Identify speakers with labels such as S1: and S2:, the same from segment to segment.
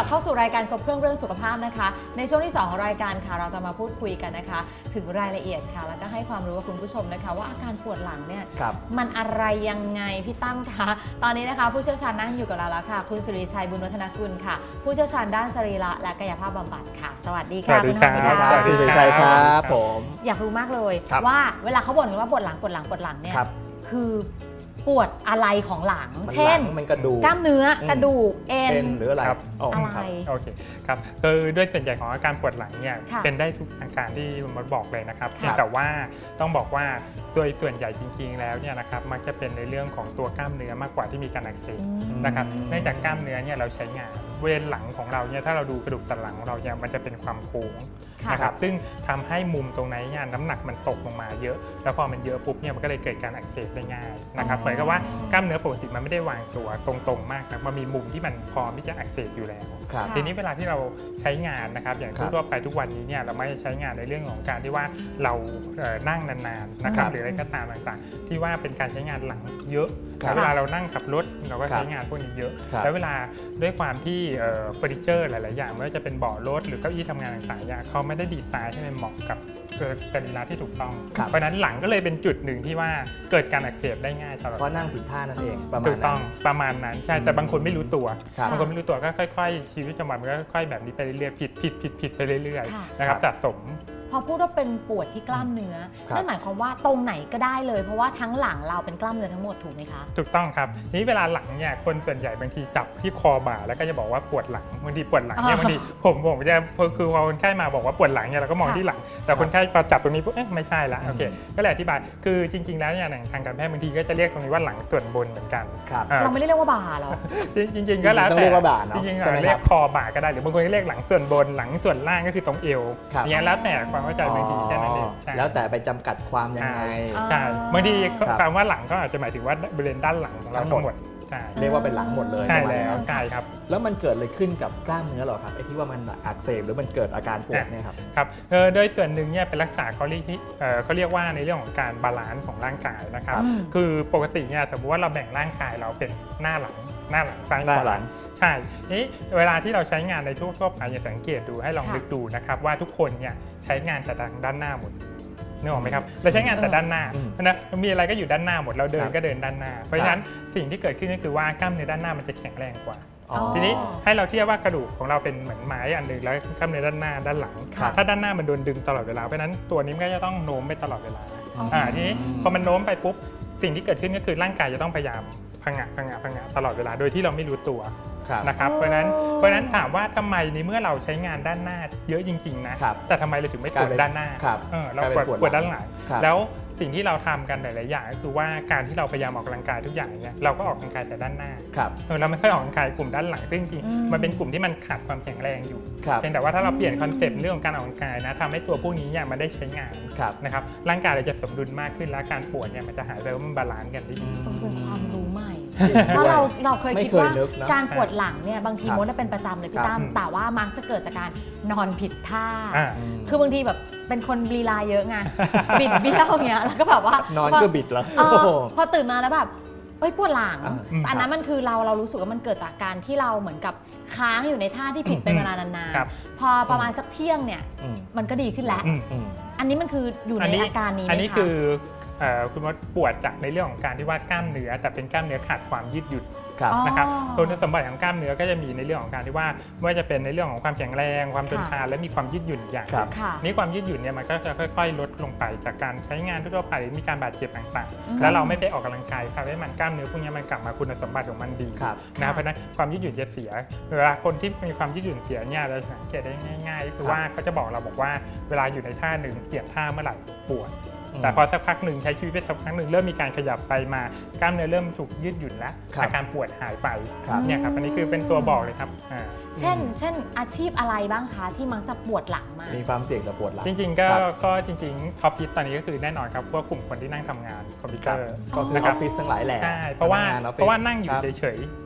S1: บเข้าสู่รายการครบเครื่องเรื่องสุขภาพนะคะในช่วงที่2ของรายการค่ะเราจะมาพูดคุยกันนะคะถึงรายละเอียดค่ะแล้วก็ให้ความรู้กับคุณผู้ชมนะคะว่าอาการปวดหลังเนี่ยมันอะไรยังไงพี่ตั้มคะตอนนี้นะคะผู้เชี่ยวชาญนั่งอยู่กับเราแล้วค่ะคุณสุริชัยบุญวัฒนกุลค่ะผู้เชี่ยวชาญด้านสรีระและกายภาพบำบัดค่ะสวัสดีค่ะคุณสุริชัย
S2: ครับผม
S1: อยากรู้มากเลยว่าเวลาเขาบ่นกันว่าปวดหลังเนี่ยคือปวดอะไรของหลังเช่นกล้ามเนื้อกระดูกเอ็น
S2: หรืออะไร
S1: อะไร
S3: โอเคครับคือด้วยส่วนใหญ่ของอาการปวดหลังเนี่ยเป็นได้ทุกอาการที่คุณมดบอกเลยนะครับแต่ว่าต้องบอกว่าโดยส่วนใหญ่จริงๆแล้วเนี่ยนะครับมักจะเป็นในเรื่องของตัวกล้ามเนื้อมากกว่าที่มีการอักเสบนะครับเนื่องจากกล้ามเนื้อเนี่ยเราใช้งานบริเวณหลังของเราเนี่ยถ้าเราดูกระดูกสันหลังของเราเนี่ยมันจะเป็นความโค้งนะครับซึ่งทำให้มุมตรงนั้นเนี่ยน้ำหนักมันตกลงมาเยอะแล้วพอมันเยอะปุ๊บเนี่ยมันก็เลยเกิดการอักเสบได้ง่ายนะครับเหมือนกับว่ากล้ามเนื้อปกติมันไม่ได้วางตัวตรงๆมากนะมันมีมุมที่มันพร้อมที่จะอักเสบอยู่แล้วทีนี้เวลาที่เราใช้งานนะครับอย่างทั่วไปทุกวันนี้เนี่ยเราไม่ใช้งานในเรื่องของการที่ว่าเรานั่งนานๆนะครับหรืออะไรก็ตามต่างๆที่ว่าเป็นการใช้งานหลังเยอะเวลาเรานั่งขับรถเราก็ใช้งานพวกนี้เยอะแล้วเวลาด้วยความที่เฟอร์นิเจอร์หลายๆอย่างไม่ว่าจะเป็นเบาะรถหรือเก้าอี้ทำงานต่างๆเขาไม่ได้ดีไซน์ให้มันเหมาะกับสรีระที่ถูกต้องเพราะนั้นหลังก็เลยเป็นจุดหนึ่งที่ว่าเกิดการอักเสบได้ง่ายตลอด
S2: เพราะนั่งผิดท่านั่นเอง
S3: ถูกต้องประมาณนั้นใช่แต่บางคนไม่รู้ตัวบางคนไม่รู้ตัวก็ค่อยๆชีวิตประจำวันมันก็ค่อยๆแบบนี้ไปเรื่อยๆผิดไปเรื่อยๆนะครับสะสม
S1: พอพูดว่าเป็นปวดที่กล้ามเนื้อนั่นหมายความว่าตรงไหนก็ได้เลยเพราะว่าทั้งหลังเราเป็นกล้ามเนื้อทั้งหมดถูกไหมคะ
S3: ถูกต้องครับทีนี้เวลาหลังเนี่ยคนส่วนใหญ่บางทีจับที่คอบ่าแล้วก็จะบอกว่าปวดหลังบางทีปวดหลังเนี่ยบางทีผมจะคือพอคนไข้มาบอกว่าปวดหลังเนี่ยเราก็มองที่หลังแต่คนไข้พอจับตรงนี้ปุ๊บไม่ใช่ละโอเคก็เลยอธิบายคือจริงๆแล้วเนี่ยทางการแพทย์บางทีก็จะเรียกตรงนี้ว่าหลังส่วนบนเหมือนกัน
S1: เราไม่ได้เรียกว่าบ่าหรอ
S3: จริงๆก็แล้วแต่
S2: เรียกว่าบ่าเนาะ
S3: จริงๆเรียกคอบ่าก็ได้หรือบางคนก็เรียกหลังส่วนบนหลังส่วนล่างก็คือตรงเอวอย่างนี้แล้วแต่ความเข้าใจบางทีแค่นั้นเอง
S2: แล้วแต่ไปจำกัดความยังไง
S3: ใช่บางทีคำว่าหลังก็อาจจะหมายถึงว่าบริเวณด้านหลังของเราทั้งหมด
S2: เรียกว่าเป็นหลังหมดเลย
S3: ใช่แล้วใช่ครับ
S2: แล้วมันเกิดอะไรขึ้นกับกล้ามเนื้อหรอครับไอ้ที่ว่ามันอักเสบหรือมันเกิดอาการปวดเนี่ยครับ
S3: ครับโดยส่วนหนึ่งเนี่ยเป็นลักษณะเขาเรียกว่าในเรื่องของการบาลานซ์ของร่างกายนะครับคือปกติเนี่ยสมมติว่าเราแบ่งร่างกายเราเป็นหน้าหลังซ้ายขวาใช่นี้เวลาที่เราใช้งานในทั่วไปอย่าสังเกตดูให้ลองนึกดูนะครับว่าทุกคนเนี่ยใช้งานแต่ด้านหน้าหมดนึกออกไหมครับเราใช้งานแต่ด้านหน้านะมีอะไรก็อยู่ด้านหน้าหมดเราเดินก็เดินด้านหน้าเพราะฉะนั้นสิ่งที่เกิดขึ้นก็คือว่ากล้ามเนื้อด้านหน้ามันจะแข็งแรงกว่าทีนี้ให้เราเทียบว่ากระดูกของเราเป็นเหมือนไม้อันหนึ่งแล้วกล้ามเนื้อด้านหน้าด้านหลังถ้าด้านหน้ามันโดนดึงตลอดเวลาเพราะฉะนั้นตัวนี้มันก็จะต้องโน้มไปตลอดเวลาทีนี้พอมันโน้มไปปุ๊บสิ่งที่เกิดขึ้นก็คือร่างกายจะต้องพยายามพังะตลอดเวลาโดยที่เราไม่รู้ตัวนะครับเพราะฉะนั้นถามว่าทำไมในเมื่อเราใช้งานด้านหน้าเยอะจริงๆนะแต่ทำไมเราถึงไม่ปวดด้านหน้าเราปวดด้านหลังแล้วสิ่งที่เราทำกันหลายๆอย่างก็คือว่าการที่เราพยายามออกกำลังกายทุกอย่างเนี่ยเราก็ออกกำลังกายแต่ด้านหน้าเราไม่ค่อยออกกำลังกายกลุ่มด้านหลังซึ่งจริงๆมันเป็นกลุ่มที่มันขาดความแข็งแรงอยู่เพียงแต่ว่าถ้าเราเปลี่ยนคอนเซ็ปต์เรื่องของการออกกำลังกายนะทำให้ตัวพวกนี้เนี่ยมันได้ใช้งานนะครับร่างกายเราจะสมดุลมากขึ้นและการปวดเนี่ยมันจะหายไปว่ามันบาลานซ์กันได้ดี
S1: เป็นความรู้ใหม่เพราะเราเคยคิดว่าการปวดหลังเนี่ยบางทีมดเป็นประจำเลยพี่ตั้มแต่ว่ามักจะเกิดจากการนอนผิดท่าคือบางทีแบบเป็นคนลีลาเยอะไงบิดเบี้ยวเงี้ยแล้วก็แบบว่าน
S2: อนก็บิดแล้ว
S1: พอตื่นมาแล้วแบบปวดหลังอันนั้นมันคือเรารู้สึกว่ามันเกิดจากการที่เราเหมือนกับค้างอยู่ในท่าที่ผิดเป็นเวลานานๆพอประมาณสักเที่ยงเนี่ยมันก็ดีขึ้นแล้วอันนี้มันคืออยู่ในอาการนี้
S3: อันนี้คือคุณมดปวดจากในเรื่องของการที่ว่ากล้ามเนื้อแต่เป็นกล้ามเนื้อขาดความยืดหยุ่นนะครับคุณสมบัติของกล้ามเนื้อก็จะมีในเรื่องของการที่ว่าไม่ว่าจะเป็นในเรื่องของความแข็งแรงความทนทานและมีความยืดหยุ่นอย่างนี้ความยืดหยุ่นเนี่ยมันก็จะค่อยๆลดลงไปจากการใช้งานทั่วไปมีการบาดเจ็บต่างๆแล้วเราไม่ไปออกกำลังกายทำให้มันกล้ามเนื้อพวกนี้มันกลับมาคุณสมบัติของมันดีนะเพราะนั้นความยืดหยุ่นจะเสียเวลาคนที่มีความยืดหยุ่นเสียเนี่ยเราสังเกตได้ง่ายๆคือว่าเขาจะบอกเราบอกว่าเวลาอยู่ในท่าหนึ่งเปลี่ยนท่าเมื่อไหร่ปวดแต่พอสักพักหนึ่งใช้ชีวิตไปสักพักหนึ่งเริ่มมีการขยับไปมากล้ามเนื้อเริ่มถูกยืดหยุ่นแล้วอาการปวดหายไปเนี่ยครับอันนี้คือเป็นตัวบอกเลยครับ
S1: เช่นอาชีพอะไรบ้างคะที่มักจะปวดหลังมาก
S2: มีความเสี่ยงต่อปวดหลัง
S3: จริงๆก็จริงๆท็อปฮิตตอนนี้ก็คือแน่นอนครับพวกกลุ่มคนที่นั่งทำงานคอมพิวเตอร์
S2: ก็คือออฟฟิศทั้งหลายแหละ
S3: ใช่เพราะว่านั่งอยู่เฉยๆ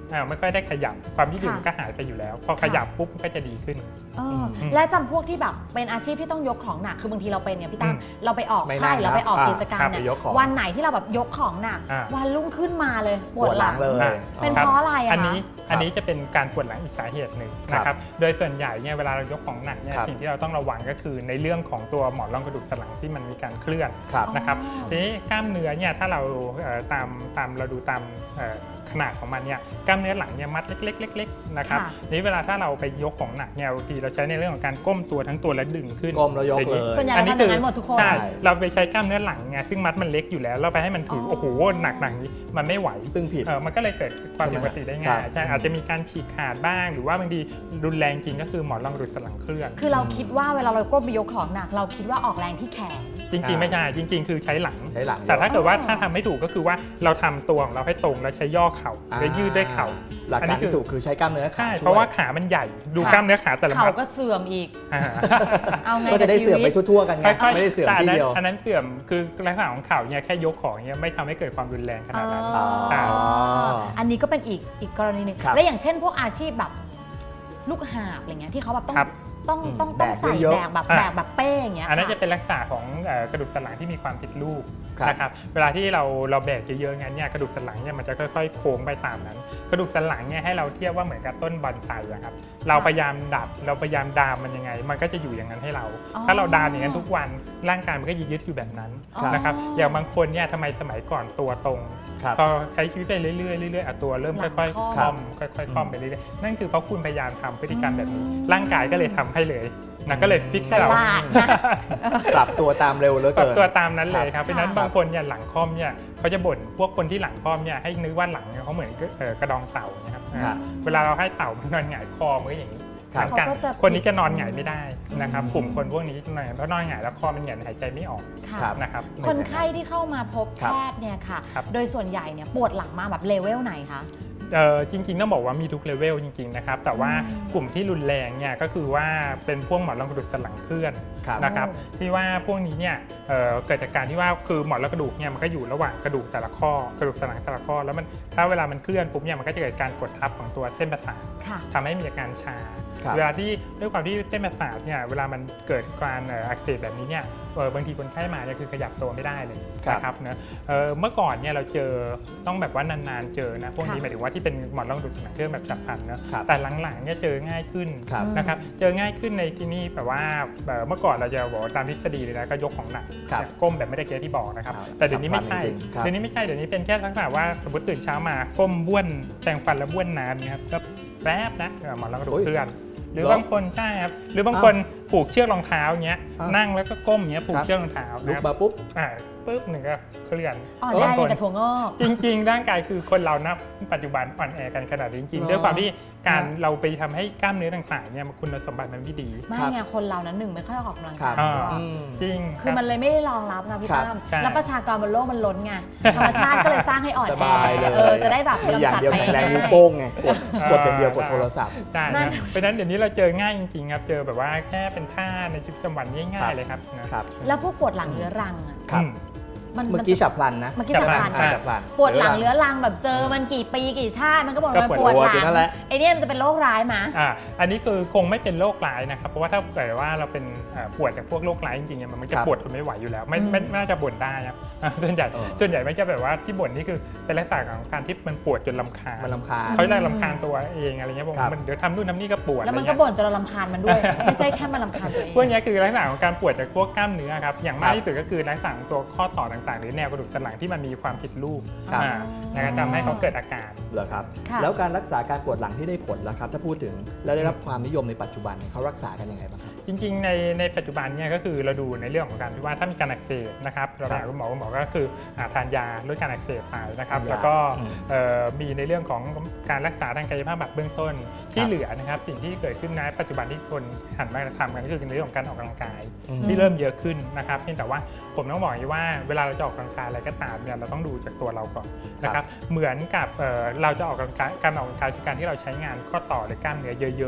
S3: ไม่ค่อยได้ขยับความยืดหยุ่นก็หายไปอยู่แล้วพอขยับปุ๊บก็จะดีขึ้น
S1: และจำพวกที่แบบเป็นอาชีพที่ต้องยกของหนักคือบางทีเราเป็นเนี่ยพี่ตั้มเราไปออกค่ายเราไปออกกิจกรรมเนี่ยวันไหนที่เราแบบยกของหนักวันรุ่งขึ้นมาเลยปวดหลัง
S2: เลย
S1: เป็นเพราะอะไร
S3: อันนี้จะเป็นการปวดหลังอีกสาเหตุหนึ่งนะครับโดยส่วนใหญ่เนี่ยเวลาเรายกของหนักเนี่ยสิ่งที่เราต้องระวังก็คือในเรื่องของตัวหมอนรองกระดูกสันหลังที่มันมีการเคลื่อนนะครับทีนี้กล้ามเนื้อเนี่ยถ้าเราตามเราดูตามขนาดของมันเนี่ยกล้ามเนื้อหลังเนี่ยมัดเล็กๆๆนะครับนี้เวลาถ้าเราไปยกของหนักเนี่ยบางทีเราใช้ในเรื่องของการก้มตัวทั้งตัวและดึงขึ้น
S2: ก้มแล้วยกเลย
S1: ส่วนใหญ่เราทำอย่างนั้นหมดทุกคน
S3: ใช่เราไปใช้กล้ามเนื้อหลังไงซึ่งมัดมันเล็กอยู่แล้วเราไปให้มันถือโอ้โหหนักนี้มันไม่ไหว
S2: ซึ่งผิด
S3: มันก็เลยเกิดความผิดปกติได้ง่ายใช่อาจจะมีการฉีกขาดบ้างหรือว่าบางทีรุนแรงจริงก็คือหมอนรองกระดูกสันหลังเคลื่อน
S1: คือเราคิดว่าเวลาเราก้มไปยกของหนักเราคิดว่าออกแรงที่แขน
S3: จริงๆไม่ใช่จริงๆคือใช้หลังแต่ถ้าเกิดว่าถ้าทำไม่ถูกก็คือว่าเราทำตัวของเราให้ตรงแล้วใช้ย่อเข่าและยืดด้วยเข่า
S2: หลักการที่ถูกคือใช้กล้ามเนื้อขา
S3: ใช่เพราะว่าขามันใหญ่ดูกล้ามเนื้อขาแต่ละ
S1: เข่าก็เสื่อมอีก
S2: เอาไงก็จะได้เสื่อมไปทั่วๆกันไงไม่ได้เสื่อมทีเดียว
S3: อันนั้นเสื่อมคือลักษณะของเข่าเนี่ยแค่ยกของเนี่ยไม่ทำให้เกิดความรุนแรงขนาดนั้น
S1: อันนี้ก็เป็นอีกกรณีหนึ่งและอย่างเช่นพวกอาชีพแบบลูกหาบอะไรเงี้ยที่เขาแบบต้องใส่แบกแบบเป้อย่างเงี้ย
S3: อันนั้นจะเป็นลักษณะของกระดูกสันหลังที่มีความผิดรูปนะครับเวลาที่เราแบกเยอะๆงั้นเนี่ยกระดูกสันหลังเนี่ยมันจะค่อยๆโค้งไปตามนั้นกระดูกสันหลังเนี่ยให้เราเทียบว่าเหมือนกับต้นบอนไซครับเราพยายามดัดเราพยายามดามมันยังไงมันก็จะอยู่อย่างนั้นให้เราถ้าเราดามอย่างนั้นทุกวันร่างกายมันก็ยึดอยู่แบบนั้นนะครับอย่างบางคนเนี่ยทำไมสมัยก่อนตัวตรงพอใช้ชีวิตไปเรื่อยๆตัวเริ่มค่อยๆคล่อมค่อยๆคล่อมไปเรื่อยๆนั่นคือเพราะคุณพยายามทำพฤติกรรมแบบนี้ร่างกายก็เลยทำให้เลยนะก็เลยฟิกให้เรา
S2: ปรับตัวตามเร็วเลย
S3: ปรับตัวตามนั้นเลยครับเพราะนั้นบางคนเนี่ยหลังคล่อมเนี่ยเขาจะบ่นพวกคนที่หลังคล่อมเนี่ยให้นึกว่าหลังเขาเหมือนกระดองเต่านะครับเวลาเราให้เต่ามันนอนหงายคอมันก็อย่างนี้กันคนนี้จะนอนหงายไม่ได้นะครับกลุ่มคนพวกนี้นอนเพราะนอนหงายแล้วคอมันหงายหายใจไม่ออกนะครับ
S1: คนไข้ที่เข้ามาพบแพทย์เนี่ยค่ะโดยส่วนใหญ่เนี่ยปวดหลังมาแบบเลเวลไหนคะ
S3: จริงๆต้องบอกว่ามีทุกเลเวลจริงๆนะครับแต่ว่ากลุ่มที่รุนแรงเนี่ยก็คือว่าเป็นพวกหมอนรองกระดูกสันหลังเคลื่อนนะครับที่ว่าพวกนี้เนี่ยเกิดจากการที่ว่าคือหมอนรองกระดูกเนี่ยมันก็อยู่ระหว่างกระดูกแต่ละข้อกระดูกสันหลังแต่ละข้อแล้วมันถ้าเวลามันเคลื่อนปุ๊บเนี่ยมันก็จะเกิดการกดทับของตัวเส้นประสาททำให้มีอาการชาเวลาที่ด้วยความที่เส้นประสาทเนี่ยเวลามันเกิดการอักเสบแบบนี้เนี่ยบางทีคนไข้มาเนี่ยคือขยับตัวไม่ได้เลยนะครับเนอะเมื่อก่อนเนี่ยเราเจอต้องแบบว่านานๆเจอนะพวกนี้หมายถึงว่าที่เป็นหมอนรองกระดูกสันหลังเคลื่อนแบบฉับพลันนะแต่หลังๆเนี่ยเจอง่ายขึ้นนะครับเจอง่ายขึ้นในที่นี่แบบว่าเมื่อก่อนเราจะบอกตามทฤษฎีเลยนะก็ยกของหนักก้มแบบไม่ได้เกี้ยที่บอกนะครับแต่เดี๋ยวนี้ไม่ใช่เดี๋ยวนี้เป็นแค่ลักษณะว่าสมมติตื่นเช้ามาก้มบ้วนแปรงฟันแล้วบ้วนน้ำเนี่ยครับก็แป๊บนะหมอนรองกระดูกเคลื่อนหรือบางคนใช่ครับหรือบางคนผูกเชือกรองเท้าเงี้ยนั่งแล้วก็ก้มเงี้ยผูกเชือกรองเท้า
S2: ลุกมาปุ๊บ
S3: หนึ่งก็เคลื่อน
S1: ได้กระถั่วงอก
S3: จริงๆร่างกายคือคนเรานะปัจจุบันอ่อนแอกันขนาดนี้จริงๆด้วยความที่การเราไปทำให้กล้ามเนื้อต่างๆเนี่ยคุณสมบัติมันไม่ดี
S1: ไม่ไงคนเรานั้นไม่ค่อยออกกำลังกาย
S3: จริง
S1: คือมันเลยไม่ได้รองรับนะพี่ตั้มแล้วประชากรบนโลกมันล้นไงธรรมชาติก็เลยสร้างให้อ่อนแอจะได้แบบ
S2: กำจัดไปแรงนิ้วโป้งไงกดเป็นเดียวกดโทรศัพท์
S3: ได้เพราะฉะนั้นเดี๋ยวนี้เราเจอง่ายจริงๆครับเจอแบบว่าแค่เป็นท่าในชีวิตประจำวันง่ายๆเลยครับ
S1: แล้วพวกปวดหลังเรื้อรังอ่ะ
S2: เมื่อกี้ฉับพลันนะ
S1: เมื่อกี้ฉับพลันปวดหลังเรื้อรังแบบเจอมันกี่ปีกี่ชาติมันก็บอกมันปวดหลังไอเนี้ยมันจะเป็นโรคร้ายมั้ย
S3: อันนี้คือคงไม่เป็นโรคร้ายนะครับเพราะว่าถ้าเกิดว่าเราเป็นปวดจากพวกโรคร้ายจริงๆมันจะปวดทนไม่ไหวอยู่แล้วไม่น่าจะบ่นได้ครับส่วนใหญ่ไม่จะแบบว่าที่บ่นนี่คือเป็นลักษณะของการที่มันปวดจนรำคาญเขาเลยรำคาญตัวเองอะไรเงี้ยบอกมันเดี๋ยวทำนู่นทำนี่ก็ปวด
S1: แล้วมันก็บ่นจนเรารำคาญมันด้วยไม่ใช่แค่มันรำคาญตัวเอง
S3: พวกนี้คือลักษณะของการปวดจากพวกกล้ามเนื้อครับอย่างมากที่สุดก็คือลักษณะของตัวข้อต่อต่างๆหรือแนวกระดูกสันหลังที่มันมีความผิดรูปนะครับทำให้เขาเกิดอาการ
S2: เหรอครับแล้วการรักษาการปวดหลังที่ได้ผลล่ะครับถ้าพูดถึงแล้วได้รับความนิยมในปัจจุบันเขารักษากันยังไงบ้างครับ
S3: จริงๆในปัจจุบันเนี่ยก็คือเราดูในเรื่องของการที่ว่าถ้ามีการอักเสบนะครับเราถามคุณหมอก็คือทานยาลดการอักเสบไปนะครับแล้วก็มีในเรื่องของการรักษาทางกายภาพแบบเบื้องต้นที่เหลือนะครับสิ่งที่เกิดขึ้นในปัจจุบันที่คนหันมาทำกันก็คือในเรื่องของการออกกำลังกายที่เริ่มเยอะขึ้นนะครับเพียงแต่ว่าผมต้องบอกว่าเวลาเราจะออกกำลังกายอะไรก็ตามเนี่ยเราต้องดูจากตัวเราก่อนนะครับเหมือนกับเราจะออกกำลังกายการออกกำลังกายคือการที่เราใช้งานข้อต่อหรือกล้ามเนื้อเยอะๆ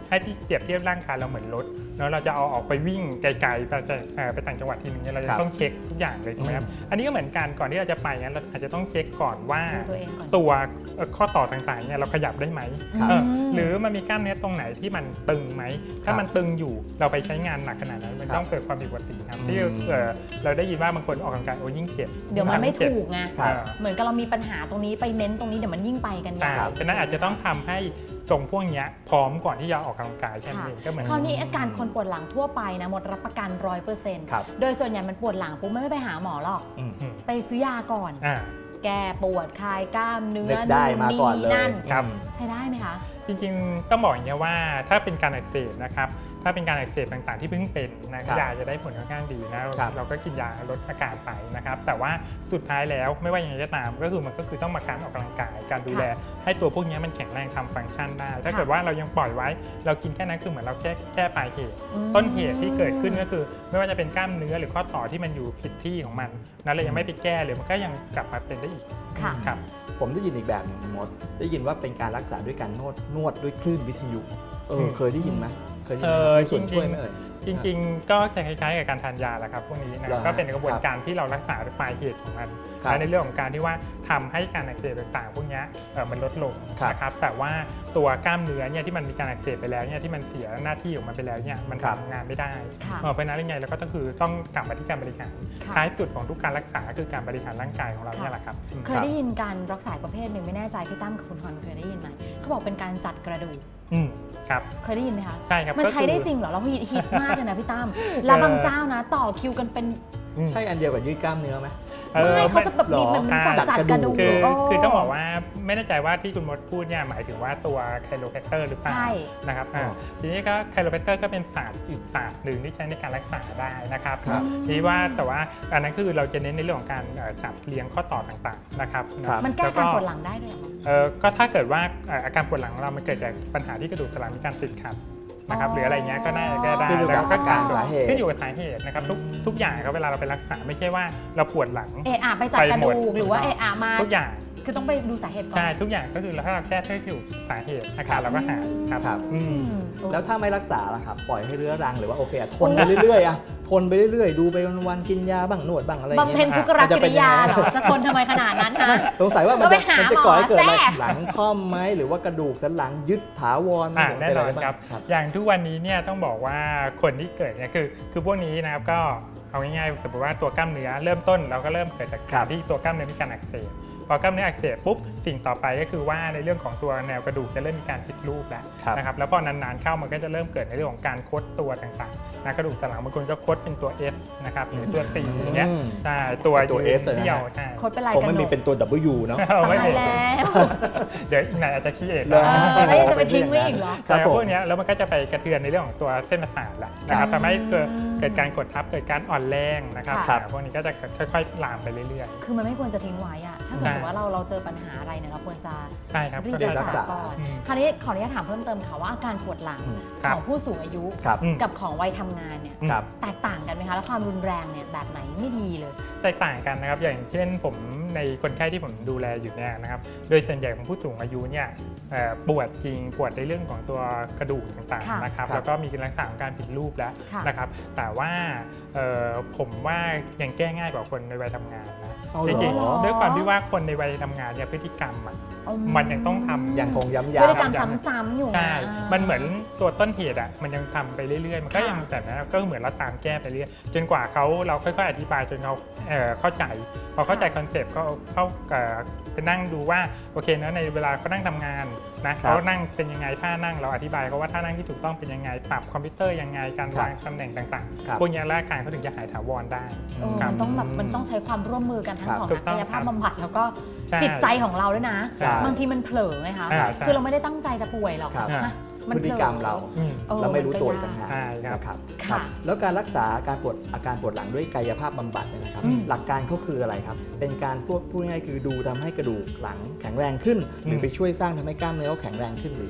S3: ให้ที่เปรียบเทียบร่างกายเราเหมือนรถแล้วเราจะเอาออกไปวิ่งไกลๆไปต่างจังหวัดทีนึงเนี่ยเราจะต้องเช็คทุกอย่างเลยถูกไหมครับอันนี้ก็เหมือนกันก่อนที่เราจะไปงั้นเราอาจจะต้องเช็คก่อนว่า
S1: ดูตัวเองก่อน
S3: ตัวข้อต่อต่างๆเนี่ยเราขยับได้ไหม หรือมันมีกล้ามเนื้อตรงไหนที่มันตึงไหมถ้ามันตึงอยู่เราไปใช้งานหนักขนาดนั้นมันต้องเกิดความผิดปกติครับที่เราได้ยินว่าบางคนออกกำลังกายโอ้ยิ่งเจ็บ
S1: เดี๋ยวมันไม่ถูกไง
S2: ครับ
S1: เหมือนกับเรามีปัญหาตรงนี้ไปเน้นตรงนี้เดี๋ยวมันยิ่งไปกันใหญ่
S3: ฉะนั้นอาจจะต้องทำให้ตรงพวกนี้พร้อมก่อนที่จะออกกำลังกายแค่นั้นเองก็เหมือน
S1: คราวนี้อาการคนปวดหลังทั่วไปนะหมดรับประกัน 100%
S2: ครับ
S1: โดยส่วนใหญ่มันปวดหลังปุ๊บไม่ไปหาหมอหรอก
S2: อืม
S1: ไปซื้อยาก่อน แก้ปวดคลายกล้ามเนื้อ
S2: นึกได้มาก่อนเลย
S1: นั่น
S3: ครับ
S1: ใช้ได้ไหมคะ
S3: จริงๆต้องบอกอย่างนี้ว่าถ้าเป็นการอักเสบนะครับถ้าเป็นการอักเสบต่างๆที่เพิ่งเป็นนะครับ ยาจะได้ผลค่อนข้างดีนะครับ เราก็กินยาลดอาการไปนะครับแต่ว่าสุดท้ายแล้วไม่ว่าอย่างไรก็ตามก็คือต้องมาการออกกำลังกายการดูแลให้ตัวพวกนี้มันแข็งแรงทำฟังก์ชันได้ถ้าเกิดว่าเรายังปล่อยไว้เรากินแค่นั้นคือเหมือนเราแก้ปลายเหตุ ต้นเหตุที่เกิดขึ้นก็คือไม่ว่าจะเป็นกล้ามเนื้อหรือข้อต่อที่มันอยู่ผิดที่ของมันนั้นเรายังไม่ไปแก้หรือมันก็ยังกลับมาเป็นได้อีก
S1: ค่ะ
S3: ครับ
S2: ผมได้ยินอีกแบบหนึงมดได้ยินว่าเป็นการรักษาด้วยการนวดด้วยคลื่นวิทยุเคยได้ยินไหมเคยได้ยินไหมมีส่วนช่วยไหมเอ่ย
S3: จริงๆ ก็จะคล้ายๆกับการทานยาแหละครับพวกนี้นะ
S2: เหรอฮะ
S3: ก็เป็นกระบวนการที่เรารักษาปลายเหตุของมัน
S2: ครับ
S3: และในเรื่องของการที่ว่าทำให้การอักเสบต่างๆพวกนี้มันลดลง
S2: ครับ
S3: นะครับแต่ว่าตัวกล้ามเนื้อเนี่ยที่มันมีการอักเสบไปแล้วเนี่ยที่มันเสียหน้าที่ของมันไปแล้วเนี่ยมัน
S2: ครับ
S3: ทำงานไม่ได้
S1: ค่ะ
S3: เพราะฉะนั้นยังไงเราก็ต้องกลับมาที่การบริหาร
S1: ค่ะ
S3: ท้ายสุดของทุกการรักษาคือการบริหารร่างกายของเราเนี่ยแหละครับ
S1: เคยได้ยินการรักษาประเภทหนึ่งไม่แน่ใจพี่ตั้มกับคุณฮอนเคยได้ยินไหมเขาบอกเป็นการจัดกระดูก
S3: ครับ
S1: เคยได้ยินไหมคะ
S3: ใช่ครับ
S1: มัน
S3: ก็
S1: ใช้
S3: คือ
S1: ได้จริงเหรอเราฮิตมากเลยนะพี่ตั้มแล้วบางเจ้านะต่อคิวกันเป็น
S2: ใช่อันเดียวกับยืดกล้ามเนื้อไหม
S1: ไม่เขาจะแบบมีเหมือน
S2: หรอ
S1: จัดกระดูก
S3: คือต้องบอกว่าไม่แน่ใจว่าที่คุณมดพูดเนี่ยหมายถึงว่าตัวไคโรแพคเตอร์หรือเปล่า
S1: ใช่
S3: นะครับ
S2: อ๋อ
S3: ทีนี้ก็ไคโรแพคเตอร์ก็เป็นศาสตร์อีกศาสตร์หนึ่งที่ใช้ในการรักษาได้นะครับ
S2: ครับ
S3: ทีนี้ว่าแต่ว่าอันนั้นคือเราจะเน้นในเรื่องของการจัดเรียงข้อต่อต่างๆนะครับ
S2: ครับ
S1: มันแก้
S3: ล้ว
S1: การปวดหลังได้เลยเหรอ
S3: ก็ถ้าเกิดว่าอาการปวดหลังของเรามันเกิดจากปัญหาที่กระดูกสันหลังมีการติดขัดนะครับหรืออะไรเงี้ยก็น่าจะแก้ได้
S2: ขึ้นอยู่กับ
S3: แล้วก็
S2: อาการสาเหตุ
S3: ขึ้นอยู่กับสาเหตุนะครับทุกอย่างครับเวลาเราไปรักษาไม่ใช่ว่าเราปวดหลัง
S1: ไปจัดกระดูก
S3: ไปหมด
S1: หรือว่ามา
S3: ทุกอย่าง
S1: คือต้องไปดูสาเหตุก่อน
S3: ใช่ทุกอย่างก็คือถ้าเราแก้ที่อยู่สาเหตุอาการเราก็หายครับ
S2: ครับ
S3: อืม
S2: แล้วถ้าไม่รักษาล่ะครับ ปล่อยให้เรื้อรังหรือว่าโอเคทนไปเรื่อยๆทนไปเรื่อยๆ ดูไปวันๆกินยาบ้างนวดบ้างอะไรอย่าง
S1: บำ
S2: เงี้
S1: เพ็ญ
S2: ย
S1: ทุกรกิริยาเหรอ จะทนทำไมขนาดนั้นนะ
S2: สงสัยว่ามัน
S1: ก็ไป
S2: จะ
S1: หา
S2: มันจะก่อให้เกิดอะไร
S1: หมอแทรก
S2: หลังค่อมไหมหรือว่ากระดูกสันหลังยึดถาวร
S3: แน่นอนครับ
S2: ครับ
S3: อย่างทุกวันนี้เนี่ยต้องบอกว่าคนที่เกิดเนี่ยคือพวกนี้นะครับก็เอาง่ายๆสมมติว่าตัวกล้ามเนื้อเริ่มต้นเราก็เริ่มเกิดจาก
S2: ครั
S3: การ
S2: บ
S3: ที่ตัวกล้ามเนื้อมีการอักเสบพอกล้ามเนื้ออักเสบปุ๊บสิ่งต่อไปก็คือว่าในเรื่องของตัวแนวกระดูกจะเริ่มมีการผิดรูปแล้ว
S2: ครับ
S3: นะครับแล้วพอนานๆเข้ามันก็จะเริ่มเกิดในเรื่องของการคดตัวต่างๆนะกระดูกสันหลังบางคนก็คดเป็นตัว F นะครับหรือตัว C อย่างเงี้ยใช่ตัว
S2: ตัว S เลยนะ
S3: เดี่ยวใช่
S1: โคตรเป็นลาย
S2: ผม
S1: กระ
S2: ไม่
S1: หน
S2: มี
S1: ก
S2: เป็นตัว W เนาะ
S3: เอาไม่
S1: ตาย
S3: มี
S1: แล้ว
S3: เดี๋ยวอีกหน่อยอาจจะขี้เอก
S2: เหรอ
S1: แล้วยังจะไปทิ้งไว้อีกเหรอ
S2: ครั
S3: แต่
S2: บผม
S3: พวกเนี้ยแล้วมันก็จะไปกระเทือนในเรื่องของตัวเส้นประสาทแหละนะครับทำให้เกิดการกดทับเกิดการอ่อนแรงนะครับ
S1: ครับ
S3: พวกนี้ก็จะค่อยๆลามไปเรื่อย
S1: คือมันไม่ควรจะทิ้งไว้อะถ้าเกิดสมมติว่าเราเจอปัญหาอะไรเนี่ยเราควรจะ
S3: ๆใช่ครับ
S1: รีบ
S2: เดี๋ยว
S1: รั
S2: รั
S1: ก
S2: ก
S1: ษา
S2: ษา
S1: ก่อน
S3: อืม
S1: คราวนี้ขออนุญาตถามเพิ่มเติมค่ะว่าอาการปวดหลัง
S3: ครับ
S1: ของผู้สูงอายุ
S2: ครับ
S3: อืม
S1: กับของวัยทำงานเนี่ย
S2: ครับ
S1: แตกต่างกันไหมคะแล้วความรุนแรงเนี่ยแบบไหนไม่ดีเลย
S3: แตกต่างกันนะครับอย่างเช่นผมในคนไข้ที่ผมดูแลอยู่เนี่ยนะครับโดยส่วนใหญ่ของผู้สูงอายุเนี่ยปวดจริงปวดในเรื่องของตัวกระดูกต่าง
S1: ค่ะ
S3: ๆนะครับ
S2: ครับ
S3: แล้วก็มีลักษณะของการผิดรูปแล้ว
S1: ค่ะ
S3: นะครับแต่ว่าผมว่ายังแก้ง่ายกว่าคนในวัยทำงานนะ
S2: เอา
S3: จ
S2: เหรอ
S3: ริงๆด้วยความที่ว่าคนในวัยทำงานเนี่ยพฤติกรรมอะ มันยังต้องทำ
S2: ยังคงย้ำ
S1: พฤติกรรม
S2: ๆ
S1: ซ้ำๆอยู่
S3: ใช่
S1: อ่า
S3: มันเหมือนตัวต้นเหตุอ่ะ มันยังทำไปเรื่อยๆ มันก็
S1: ค่ะ
S3: ยังแต่นั้นก็เหมือนเราตามแก้ไปเรื่อยจนกว่าเราค่อยๆ อธิบายจนเขาเข้าใจ พอเข้าใจคอนเซปต์ก็เข้าไปนั่งดูว่าโอเคนะในเวลาเขานั่งทำงานนะเขานั่งเป็นยังไงท่านั่งเราอธิบายเขาว่าท่านั่งที่ถูกต้องเป็นยังไงปรับคอมพิวเตอร์ยังไงการวางตำแหน่งต่าง
S2: ครับ
S3: ๆพวกนี้ร่างกายเขาถึงจะหายถาวรได้
S1: มันต้องแบบมันต้องใช้ความร่วมมือกันทั้ง
S2: ครับ
S1: ของ
S3: ถู
S1: นัก
S3: กต้อง
S1: กายภาพ
S3: ครับ
S1: บำบัดแล้วก็
S3: ใช่
S1: จิตใจของเราด้วยนะ
S2: ใช่
S1: บางทีมันเผลอไงคะ
S3: ใช่ใช่
S1: คือเราไม่ได้ตั้งใจจะป่วยหรอก
S2: ครับ
S1: นะมัน
S2: พฤติกรรมเรา
S3: อืม
S1: เออ
S2: เราไม่รู้ตัวอีก
S1: น
S2: ต่างหาก
S3: ใช่ครับ
S2: นะครับ
S1: ค่ะ
S2: แล้วการรักษาอาการปวดหลังด้วยกายภาพบำบัดเนี่ยนะครับ
S3: อืม
S2: หลักการเขาคืออะไรครับ เป็นการพูดง่ายๆคือดูทำให้กระดูกหลังแข็งแรงขึ้น หรือไปช่วยสร้างทำให้กล้ามเนื้อเขาแข็งแรงขึ้นหรือยังไงครับ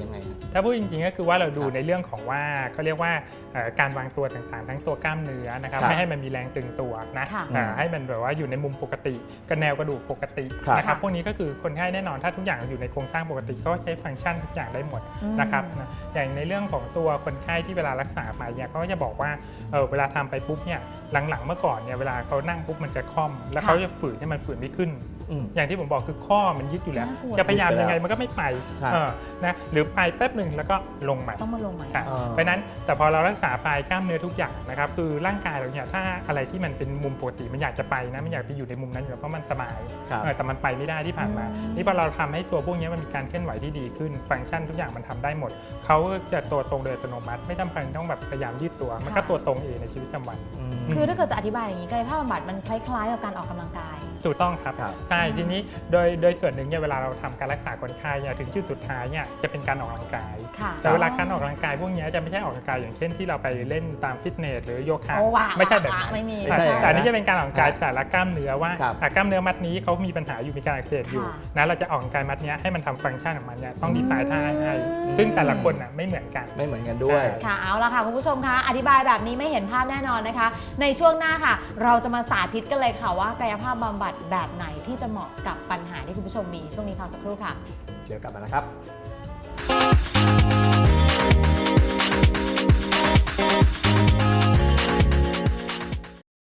S3: ถ้าพูดจริงๆก็คือว่าเราดูในเรื่องของว่าเขาเรียกว่าการวางตัวต่างๆทั้งตัวกล้ามเนื้อนะครับไม่ให้มันมีแรงตึงตัวนะให้มันแบบว่าอยู่ในมุมปกติกับแนวกระดูกปกตินะครับพวกนี้ก็คือคนไข้แน่นอนถ้าทุกอย่างอยู่ในโครงสร้างปกติก็ใช้ฟังก์ชันทุกอย่างได้หมดนะครับอย่างในเรื่องของตัวคนไข้ที่เวลารักษาไปเนี่ยเขาก็จะบอกว่าเวลาทำไปปุ๊บเนี่ยหลังๆเมื่อก่อนเนี่ยเวลาเขานั่งปุ๊บมันจะค่อมแล้วเขาจะฝืนให้มันฝืนไม่ขึ้นอย่างที่ผมบอกคือข้อมันยึดอยู่แล้วจะพยายามยังไงมันก็ไม่ไปนะหรือไปแป๊บหนึ่งแล้วก็ลงใหม่
S1: ต้องมาลงใหม่
S3: เพราะนั้นแต่พอเรารักษาไปกล้ามเนื้อทุกอย่างนะครับคือร่างกายเราเนี่ยถ้าอะไรที่มันเป็นมุมปกติมันอยากจะไปนะมันอยากไปอยู่ในมุมนั้นอยู่แล้วเพราะมันสบายแต่มันไปไม่ได้ที่ผ่านมานี่พอเราทำให้ตัวพวกนี้มันมีการเคลื่อนไหวที่ดีขึ้นฟังก์ชันทุกอย่างมันทำได้หมดเขาจะตัวตรงโดยอัตโนมัติไม่จำเป็นต้องแบบพยายามยืดตัวมันก็ตัวตรงเองในชีวิตประจำวัน
S1: คือถ้าเกิดจะอธิบายอย่างนี้กายภาพบำบัดมันคล้ายๆกับการออกกำลังกาย
S3: ถูกต้องครับใช่ทีนี้โดยส่วนหนึ่งเนี่ยเวลาเราทำการรักษาคนไข้เนี่ยถึงจุดสุดท้ายเนี่ยจะเป็นการออกกำลังกายแต่เวลาการออกกำลังกายพวกนี้จะไม่ใช่ออกกำลังกายอย่างเช่นที่เราไปเล่นตามฟิตเนสหรือโยคะไม่ใช่แบบนั้นแต่นี่จะเป็นการออกกำลังกายแต่ละกล้ามเนื้อว่ากล้ามเนื้อมัดนี้เขามีปัญหาอยู่มีการอักเสบอยู่นะเราจะออกกำลังกายมัดนี้ให้มันทำฟังก์ชันของมันเนี่ยต้องดีไซน์ท่าให้ซึ่งแต่ละคนไม่เหมือนกัน
S2: ด้วย
S1: ค่ะเอาละค่ะคุณผู้ชมคะอธิบายแบบนี้ไม่เห็นภาพแน่นอนนะคะในช่วงหน้าค่ะเราจะมาสาธิตกันเลยค่ะว่ากายภาพบำบัดแบบไหนที่จะเหมาะกับปัญหาที่คุณผู้ชมมีช่วงนี้พักสักครู่ค่ะ
S2: เดี๋ยวกลับมานะครับ